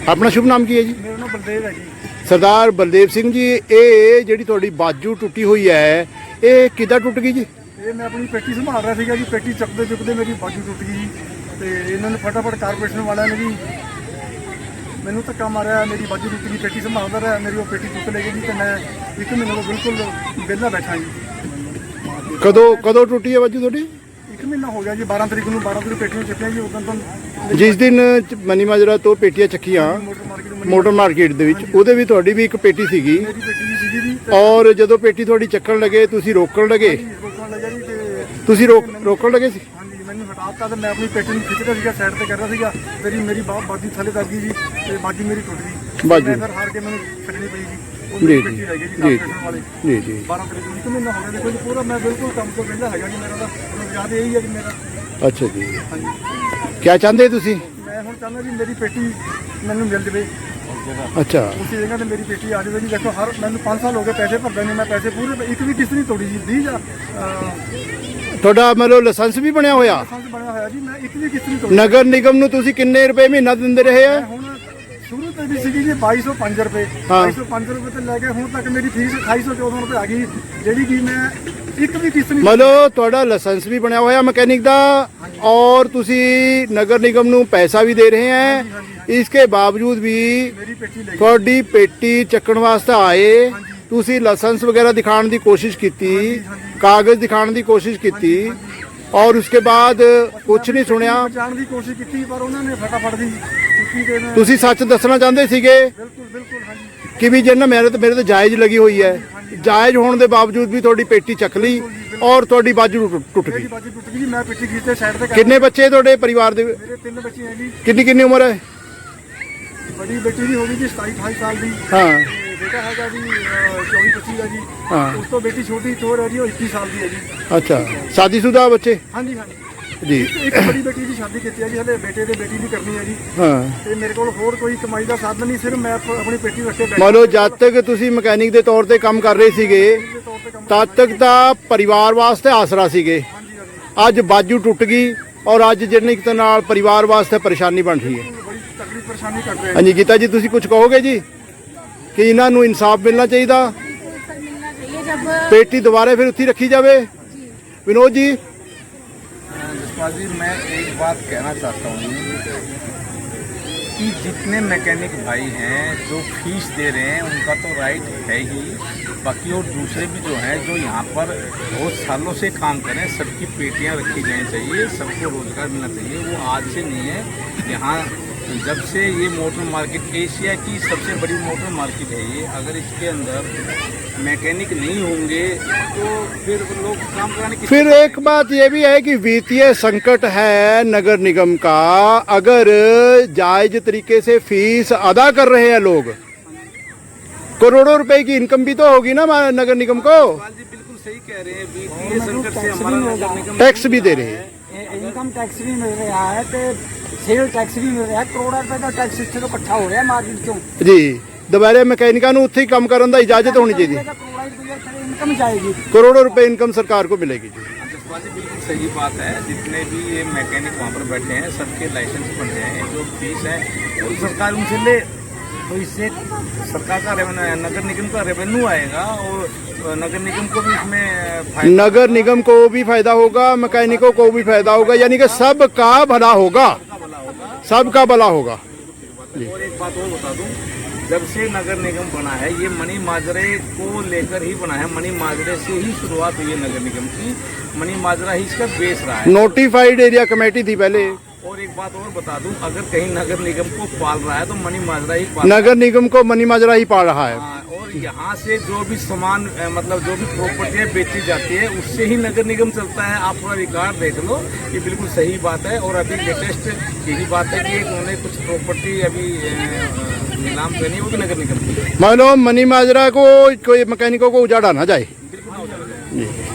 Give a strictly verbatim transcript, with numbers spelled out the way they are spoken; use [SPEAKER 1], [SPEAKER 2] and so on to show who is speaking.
[SPEAKER 1] ਆਪਣਾ ਸ਼ੁਭ ਨਾਮ ਕੀ ਹੈ ਜੀ?
[SPEAKER 2] ਮੇਰਾ ਨਾਮ ਬਲਦੇਵ ਹੈ ਜੀ।
[SPEAKER 1] ਸਰਦਾਰ ਬਲਦੇਵ ਸਿੰਘ ਜੀ, ਇਹ ਜਿਹੜੀ ਤੁਹਾਡੀ ਬਾਜੂ ਟੁੱਟੀ ਹੋਈ ਹੈ ਇਹ ਕਿੱਦਾਂ ਟੁੱਟ ਗਈ ਜੀ?
[SPEAKER 2] ਇਹ ਮੈਂ ਆਪਣੀ ਪੇਟੀ ਸੰਭਾਲ ਰਿਹਾ ਸੀਗਾ ਜੀ, ਪੇਟੀ ਚੱਕਦੇ ਚੁੱਕਦੇ ਮੇਰੀ ਬਾਜੂ ਟੁੱਟ ਗਈ ਜੀ ਤੇ ਇਹਨਾਂ ਨੇ ਫਟਾਫਟ ਕਾਰਪੋਰੇਸ਼ਨ ਵਾਲਿਆਂ ਨੇ ਜੀ ਮੈਨੂੰ ਧੱਕਾ ਮਾਰਿਆ, ਮੇਰੀ ਬਾਜੂ ਟੁੱਟ ਗਈ। ਪੇਟੀ ਸੰਭਾਲਦਾ ਰਿਹਾ, ਮੇਰੀ ਉਹ ਪੇਟੀ ਟੁੱਟ ਲੈ ਗਈ ਜੀ ਤੇ ਮੈਂ ਇੱਕ ਮਹੀਨੇ ਤੋਂ ਬਿਲਕੁਲ ਵਿਹਲਾ ਬੈਠਾ ਜੀ।
[SPEAKER 1] ਕਦੋਂ ਕਦੋਂ ਟੁੱਟੀ ਹੈ ਬਾਜੂ ਤੁਹਾਡੀ?
[SPEAKER 2] ਇੱਕ ਮਹੀਨਾ ਹੋ ਗਿਆ ਜੀ, ਬਾਰਾਂ ਤਰੀਕ ਨੂੰ ਬਾਰਾਂ ਤਰੀਕ ਪੇਟੀਆਂ ਚੱਕੀਆਂ ਜੀ। ਉਦੋਂ ਤੋਂ
[SPEAKER 1] ਜਿਸ ਦਿਨ ਮਨੀ ਮਾਜਰਾ ਤੋਂ ਪੇਟੀਆਂ ਚੱਕੀਆਂ
[SPEAKER 2] ਮੋਟਰ ਮਾਰਕੀਟ
[SPEAKER 1] ਮੋਟਰ ਮਾਰਕੀਟ ਦੇ ਵਿੱਚ, ਉਹਦੇ ਵੀ ਤੁਹਾਡੀ ਵੀ ਇੱਕ ਪੇਟੀ ਸੀਗੀ
[SPEAKER 2] ਮੇਰੀ ਪੇਟੀ ਵੀ ਸੀਗੀ ਜੀ।
[SPEAKER 1] ਔਰ ਜਦੋਂ ਪੇਟੀ ਤੁਹਾਡੀ ਚੱਕਣ ਲੱਗੇ ਤੁਸੀਂ ਰੋਕਣ ਲੱਗੇ,
[SPEAKER 2] ਰੋਕਣ ਲੱਗਿਆ ਜੀ ਤੇ
[SPEAKER 1] ਤੁਸੀਂ ਰੋਕ ਰੋਕਣ ਲੱਗੇ ਸੀ?
[SPEAKER 2] ਹਾਂਜੀ, ਮੈਨੂੰ ਹਟਾਤਾ ਤੇ ਮੈਂ ਆਪਣੀ ਪੇਟੀ ਨੂੰ ਖਿੱਚਦਾ ਸੀਗਾ, ਸਾਈਡ ਤੇ ਕਰ ਰਿਹਾ ਸੀਗਾ। ਮੇਰੀ ਮੇਰੀ ਬਾਹ ਬਾਜੂ ਥੱਲੇ ਦੱਬ ਗਈ ਜੀ ਤੇ ਬਾਜੂ ਮੇਰੀ ਟੁੱਟ ਗਈ।
[SPEAKER 1] ਬਾਜੂ।
[SPEAKER 2] ਮੈਂ ਫਿਰ ਹਾਰ ਕੇ ਮੈਨੂੰ ਛੱਡਣੀ ਪਈ ਜੀ। ਉਹ
[SPEAKER 1] ਜੀ
[SPEAKER 2] ਮੇਰੀ
[SPEAKER 1] ਜੀ
[SPEAKER 2] ਪੇਟੀ ਲੈ ਗਈ ਜੀ
[SPEAKER 1] ਜੀ
[SPEAKER 2] ਕਾਰਪੋਰੇਸ਼ਨ ਵਾਲੇ।
[SPEAKER 1] ਜੀ ਜੀ
[SPEAKER 2] ਬਾਰਾਂ ਤਰੀਕ ਨੂੰ ਇੱਕ ਮਹੀਨਾ ਹੋ ਗਿਆ ਦੇਖੋ ਜੀ ਪੂਰਾ। ਮੈਂ ਬਿਲਕੁਲ ਕੰਮ ਤੋਂ ਵਿਹਲਾ ਹੈਗਾ ਜੀ। ਮੇਰਾ ਤਾਂ ਰੋਜ਼ਗਾਰ ਇਹੀ ਹੈ ਜੀ ਮੇਰਾ।
[SPEAKER 1] ਅੱਛਾ ਜੀ,
[SPEAKER 2] ਹਾਂਜੀ,
[SPEAKER 1] ਕੀ ਚਾਹੁੰਦੇ ਤੁਸੀਂ?
[SPEAKER 2] ਮੈਂ ਹੁਣ ਚਾਹੁੰਦਾ ਜੀ ਮੇਰੀ ਪੇਟੀ ਮੈਨੂੰ ਮਿਲ ਜਾਵੇ
[SPEAKER 1] ਅੱਛਾ,
[SPEAKER 2] ਉਸੇ ਜਗ੍ਹਾ ਤੇ ਮੇਰੀ ਪੇਟੀ ਆ ਜਾਵੇ ਜੀ। ਦੇਖੋ ਹਰ ਮੈਨੂੰ ਪੰਜ ਸਾਲ ਹੋ ਗਏ ਪੈਸੇ ਭਰਦੇ ਨੇ, ਮੈਂ ਪੈਸੇ ਪੂਰੇ ਇੱਕ ਵੀ ਕਿਸ਼ਤ ਨਹੀਂ ਤੋੜੀ ਜੀ। ਵੀਹ ਹਜ਼ਾਰ
[SPEAKER 1] ਤੁਹਾਡਾ ਮਤਲਬ ਲਾਇਸੈਂਸ ਵੀ ਬਣਿਆ ਹੋਇਆ?
[SPEAKER 2] ਲਾਇਸੈਂਸ ਬਣਿਆ ਹੋਇਆ ਜੀ, ਮੈਂ ਇੱਕ ਵੀ ਕਿਸ਼ਤ ਨਹੀਂ ਤੋੜੀ।
[SPEAKER 1] ਨਗਰ ਨਿਗਮ ਨੂੰ ਤੁਸੀਂ ਕਿੰਨੇ ਰੁਪਏ ਮਹੀਨਾ ਦਿੰਦੇ ਰਹੇ ਆ?
[SPEAKER 2] ਮੈਂ ਹੁਣ ਸ਼ੁਰੂ ਤੋਂ ਵੀ ਸੀਗੀ ਜੀ ਬਾਈ ਸੌ ਪੰਜ ਰੁਪਏ।
[SPEAKER 1] ਹਾਂ।
[SPEAKER 2] ਬਾਈ ਸੌ ਪੰਜ ਰੁਪਏ ਤੋਂ ਲੈ ਕੇ ਹੁਣ ਤੱਕ ਮੇਰੀ ਫੀਸ ਅਠਾਈ ਸੌ ਚੌਦਾਂ ਰੁਪਏ ਆ ਗਈ, ਜਿਹੜੀ ਕਿ ਮੈਂ ਇੱਕ ਵੀ ਕਿਸ਼ਤ ਨਹੀਂ।
[SPEAKER 1] ਮਤਲਬ ਤੁਹਾਡਾ ਲਾਇਸੈਂਸ ਵੀ ਬਣਿਆ ਹੋਇਆ ਮਕੈਨਿਕ ਦਾ ਔਰ ਤੁਸੀਂ ਨਗਰ ਨਿਗਮ ਨੂੰ ਪੈਸਾ ਵੀ ਦੇ ਰਹੇ ਹੈ, ਇਸਕੇ ਬਾਵਜੂਦ ਵੀ
[SPEAKER 2] ਮੇਰੀ ਪੇਟੀ ਲੈ ਗਈ।
[SPEAKER 1] ਤੁਹਾਡੀ ਪੇਟੀ ਚੱਕਣ ਵਾਸਤੇ ਆਏ, ਤੁਸੀਂ ਲਾਇਸੈਂਸ ਵਗੈरह ਦਿਖਾਉਣ ਦੀ ਕੋਸ਼ਿਸ਼ ਕੀਤੀ, ਕਾਗਜ਼ ਦਿਖਾਉਣ ਦੀ ਕੋਸ਼ਿਸ਼ ਕੀਤੀ ਔਰ ਉਸਕੇ ਬਾਅਦ ਕੁਝ ਨਹੀਂ ਸੁਣਿਆ।
[SPEAKER 2] ਬਚਾਉਣ ਦੀ ਕੋਸ਼ਿਸ਼ ਕੀਤੀ ਪਰ ਉਹਨਾਂ ਨੇ ਫਟਾਫਟ ਦੀ ਚੁੱਕੀ ਤੇ ਮੈਂ
[SPEAKER 1] ਤੁਸੀਂ ਸੱਚ ਦੱਸਣਾ ਚਾਹੁੰਦੇ ਸੀਗੇ
[SPEAKER 2] ਬਿਲਕੁਲ ਬਿਲਕੁਲ ਹਾਂਜੀ
[SPEAKER 1] ਕਿ ਵੀ ਜਿਹਨਾਂ ਮੇਰੇ ਤੇ ਮੇਰੇ ਤੇ ਜਾਇਜ਼ ਲੱਗੀ ਹੋਈ ਹੈ, ਜਾਇਜ਼ ਹੋਣ ਦੇ ਬਾਵਜੂਦ ਵੀ ਤੁਹਾਡੀ ਪੇਟੀ ਚੱਕ ਲਈ ਔਰ ਤੁਹਾਡੀ ਬਾਜੂ ਟੁੱਟ- ਟੁੱਟ
[SPEAKER 2] ਮੇਰੀ
[SPEAKER 1] ਗਈ।
[SPEAKER 2] ਬਾਜੀ ਟੁੱਟ ਗਈ ਜੀ। ਮੈਂ ਪਿੱਛੇ ਖੀਚੇ ਸਾਈਡ ਤੇ ਕਰ
[SPEAKER 1] ਕਿੰਨੇ ਬੱਚੇ ਤੁਹਾਡੇ ਪਰਿਵਾਰ ਦੇ?
[SPEAKER 2] ਮੇਰੇ ਤਿੰਨ ਬੱਚੇ ਹੈ ਜੀ।
[SPEAKER 1] ਕਿੰਨੀ ਕਿੰਨੀ ਉਮਰ ਹੈ?
[SPEAKER 2] ਬੜੀ ਬੇਟੀ ਦੀ ਹੋ ਗਈ ਜੀ ਸਤਾਈ ਅਠਾਈ ਸਾਲ ਦੀ
[SPEAKER 1] ਹਾਂ
[SPEAKER 2] ਤੇ ਬੇਟਾ ਹੈਗਾ ਜੀ ਚੌਵੀ ਪੱਚੀ ਦਾ ਜੀ।
[SPEAKER 1] ਹਾਂ।
[SPEAKER 2] ਉਸ ਤੋਂ ਬੇਟੀ ਛੋਟੀ ਥੋੜ ਹੈ ਜੀ, ਉਹ ਇੱਕੀ ਸਾਲ ਦੀ ਹੈ ਜੀ।
[SPEAKER 1] ਅੱਛਾ, ਸ਼ਾਦੀशुदा ਬੱਚੇ?
[SPEAKER 2] ਹਾਂਜੀ ਹਾਂਜੀ
[SPEAKER 1] ਜੀ
[SPEAKER 2] ਇੱਕ ਬੜੀ ਬੇਟੀ ਦੀ ਸ਼ਾਦੀ ਕੀਤੀ ਹੈ ਜੀ, ਹਲੇ ਬੇਟੇ ਤੇ ਬੇਟੀ ਦੀ ਕਰਨੀ ਹੈ ਜੀ।
[SPEAKER 1] ਹਾਂ।
[SPEAKER 2] ਤੇ ਮੇਰੇ ਕੋਲ ਹੋਰ ਕੋਈ ਕਮਾਈ ਦਾ ਸਾਧਨ ਨਹੀਂ, ਸਿਰਫ ਮੈਂ ਆਪ- ਆਪਣੀ ਪੇਟੀ ਰੱਖੇ ਬੈਠਾ।
[SPEAKER 1] ਮੰਨ ਲਓ ਜਦ ਤੱਕ ਤੁਸੀਂ ਮਕੈਨਿਕ ਦੇ ਤੌਰ ਤੇ ਕੰਮ ਕਰ ਰਹੇ ਸੀਗੇ
[SPEAKER 2] ਦੇ ਤੌਰ ਤੇ ਕੰਮ
[SPEAKER 1] ਤਦ ਤੱਕ ਤਾਂ ਪਰਿਵਾਰ ਵਾਸਤੇ ਆਸਰਾ ਸੀਗੇ।
[SPEAKER 2] ਹਾਂਜੀ ਹਾਂਜੀ
[SPEAKER 1] ਅੱਜ ਬਾਜੂ ਟੁੱਟ ਗਈ ਔਰ ਅੱਜ ਜਿਹੜੀ ਇੱਕ ਨਾਲ ਪਰਿਵਾਰ ਵਾਸਤੇ ਪਰੇਸ਼ਾਨੀ ਬਣ ਰਹੀ ਹੈ।
[SPEAKER 2] ਬੜੀ ਤਕਲੀਫ ਪਰੇਸ਼ਾਨੀ ਕੱਟ ਰਹੇ
[SPEAKER 1] ਹਾਂਜੀ ਗੀਤਾ ਜੀ, ਤੁਸੀਂ ਕੁਝ ਕਹੋਗੇ ਜੀ ਕਿ ਇਹਨਾਂ ਨੂੰ ਇਨਸਾਫ ਮਿਲਣਾ ਚਾਹੀਦਾ,
[SPEAKER 3] सर मिलना चाहिए जब
[SPEAKER 1] ਪੇਟੀ ਦੁਬਾਰਾ ਫਿਰ ਉੱਥੇ ਰੱਖੀ ਜਾਵੇ? ਵਿਨੋਦ ਜੀ?
[SPEAKER 4] जसपाल जी, मैं एक बात कहना चाहता हूँ कि जितने मैकेनिक भाई हैं जो फीस दे रहे हैं उनका तो राइट है ही, बाकी और दूसरे भी जो हैं जो यहाँ पर बहुत सालों से काम करें, सबकी पेटियाँ रखी जानी चाहिए, सबको रोज़गार मिलना चाहिए। वो आज से नहीं है, यहाँ जब से ये मोटर मार्केट एशिया की सबसे बड़ी मोटर मार्केट है ये। अगर इसके अंदर मैकेनिक नहीं होंगे तो फिर लोग काम कराने की।
[SPEAKER 1] फिर एक बात ये भी है कि वित्तीय संकट है नगर निगम का, अगर जायज तरीके से फीस अदा कर रहे हैं लोग, करोड़ों रुपए की इनकम भी तो होगी ना नगर निगम को।
[SPEAKER 4] जी बिल्कुल सही कह रहे हैं, वित्तीय संकट से हमारा नगर निगम
[SPEAKER 1] टैक्स भी दे रहे हैं,
[SPEAKER 5] ਇਨਕਮ ਟੈਕਸ ਵੀ ਮਿਲ ਰਿਹਾ ਹੈ ਤੇ ਸੇਲ ਟੈਕਸ ਵੀ ਮਿਲ ਰਿਹਾ ਹੈ। ਕਰੋੜਾਂ ਰੁਪਏ ਦਾ ਟੈਕਸ ਇੱਥੇ ਤੋਂ ਇਕੱਠਾ ਹੋ ਰਿਹਾ ਮਾਰਕੀਟ ਚੋਂ
[SPEAKER 1] ਜੀ। ਦੁਬਾਰੇ ਮਕੈਨਿਕਾਂ ਨੂੰ ਉੱਥੇ ਹੀ ਕੰਮ ਕਰਨ ਦਾ ਇਜਾਜ਼ਤ ਹੋਣੀ ਚਾਹੀਦੀ ਹੈ।
[SPEAKER 5] ਕਰੋੜਾਂ ਰੁਪਏ ਇੱਥੇ ਇਨਕਮ ਜਾਏਗੀ।
[SPEAKER 1] करोड़ों रुपए इनकम सरकार को मिलेगी जी।
[SPEAKER 4] जसपाल जी बिल्कुल सही बात है, जितने भी ये मैकेनिक वहाँ पर बैठे हैं सबके लाइसेंस बन रहे हैं, जो फीस है वो सरकार उनसे ले तो इससे सरकार का रेवेन्यू, नगर निगम का रेवेन्यू आएगा और नगर निगम को भी इसमें फायदा।
[SPEAKER 1] नगर निगम को भी फायदा होगा, मैकेनिकों को भी फायदा होगा, यानी कि सबका भला होगा, सबका भला होगा।
[SPEAKER 4] और एक बात और बता दूं, जब से नगर निगम बना है ये मनी माजरे को लेकर ही बना है। मनी माजरे से ही शुरुआत हुई है नगर निगम की, मनी माजरा ही इसका बेस रहा है।
[SPEAKER 1] नोटिफाइड एरिया कमेटी थी पहले।
[SPEAKER 4] और एक बात और बता दूं, अगर कहीं नगर निगम को पाल रहा है तो मनी माजरा ही पाल
[SPEAKER 1] नगर निगम को मनी माजरा ही पाल रहा है।
[SPEAKER 4] हाँ, और यहाँ से जो भी सामान अ, मतलब जो भी प्रॉपर्टियाँ बेची जाती है उससे ही नगर निगम चलता है। आप पूरा रिकॉर्ड देख लो, ये बिल्कुल सही बात है। और अभी लेटेस्ट यही बात है कि उन्होंने कुछ प्रॉपर्टी अभी अ, नीलाम करनी है, वो भी नगर निगम की है।
[SPEAKER 1] मान लो मनी माजरा को कोई मैकेनिकों को उजाड़ा ना जाए।
[SPEAKER 4] बिल्कुल ना हो जाएगा।
[SPEAKER 1] जी।